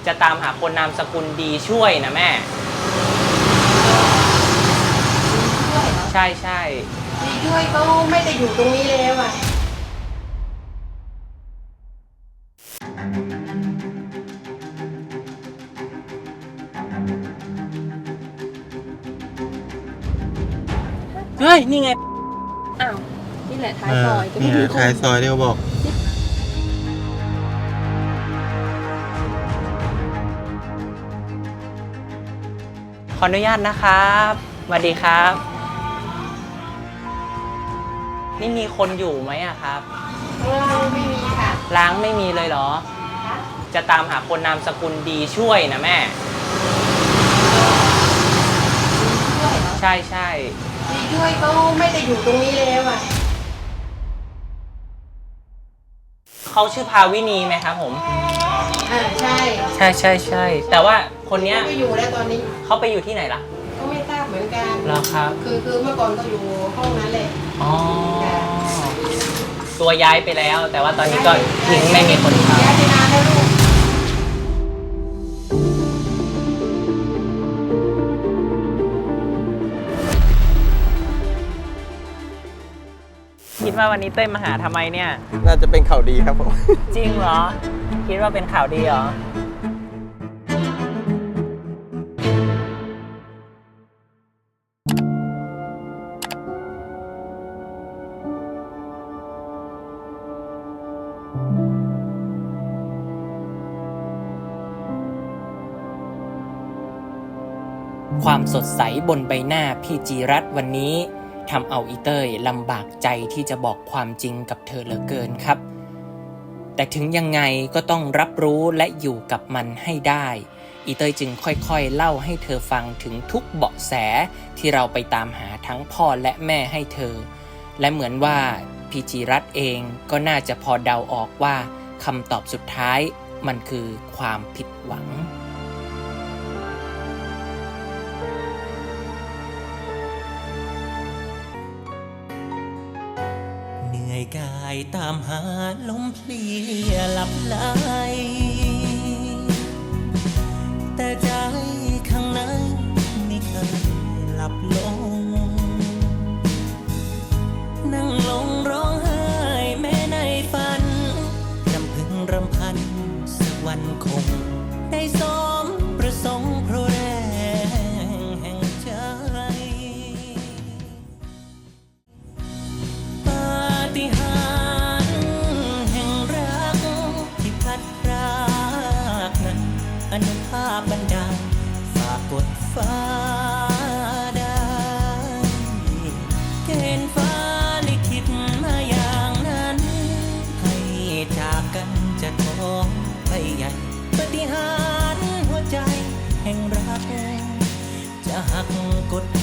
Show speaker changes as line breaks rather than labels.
จะตามหาคนนามสกุลดีช่วยนะแม่ใช่ใช่
ดีช่วยเขาไม่ได้อยู่ตรงนี้แล้วอ่ะ
เฮ้ยนี่ไง
อ้าวนี่แหละท้ายซอย
นี่
จะไม่ถึง
ท้ายซอยที่เขาบอก
ขออนุญาตนะครับสวัสดีครับนี่มีคนอยู่ไหมอะครับ
ไม่มีค่ะ
ล้างไม่มีเลยเหรอจะตามหาคนนามสกุลดีช่วยนะแม่ใช่ใช่
ดีช่วยเขาไม่ได้อยู่ตรงนี้แล้วอ่ะ
เขาชื่อภาวินีไหมครับผม
ใช่
ใช่ใช่ใช่แต่ว่าคนเนี้ย
ไม่อยู่แล้วตอนนี้
เขาไปอยู่ที่ไหนล่ะ
ก็ไม่ทราบเหมือนกัน
เหรอครับ
คือเมื่อก่อนก็อยู่ห้องนั้นแหละ
อ๋อตัวย้ายไปแล้ว แต่ว่าตอนนี้ก็ทิ้งไม่มีคนเข้า
ย้ายไปนานแล้วลูก
คิดว่าวันนี้เต้ยมาหาทำไมเนี่ย
น่าจะเป็นข่าวดีครับผม
จริงเหรอคิดว่าเป็นข่าวดีเหรอความสดใสบนใบหน้าพี่จีรัตน์วันนี้ทำเอาอีเต้ยลำบากใจที่จะบอกความจริงกับเธอเหลือเกินครับแต่ถึงยังไงก็ต้องรับรู้และอยู่กับมันให้ได้อีเต้ยจึงค่อยๆเล่าให้เธอฟังถึงทุกเบาะแสที่เราไปตามหาทั้งพ่อและแม่ให้เธอและเหมือนว่าพี่จีรัตน์เองก็น่าจะพอเดาออกว่าคำตอบสุดท้ายมันคือความผิดหวัง
เหนื่อยกายตามหาลมเพลียหลับไหลแต่ใจข้างในไม่เคยหลับลงนั่งลงร้องไห้แม้ในฝันรำพึงรำพันสักวันคงได้สมประสงค์เพราะแรงแห่งใจปาฏิหาริย์แห่งรักที่พัดพรากนั้นอนุภาพบันดาลฝากกดฟ้าได้เกณฑ์ฟ้าลิขิตมาอย่างนั้นให้จากกันจะท้องไปใหญ่ปาฏิหาริย์หัวใจแห่งรักจะหักกด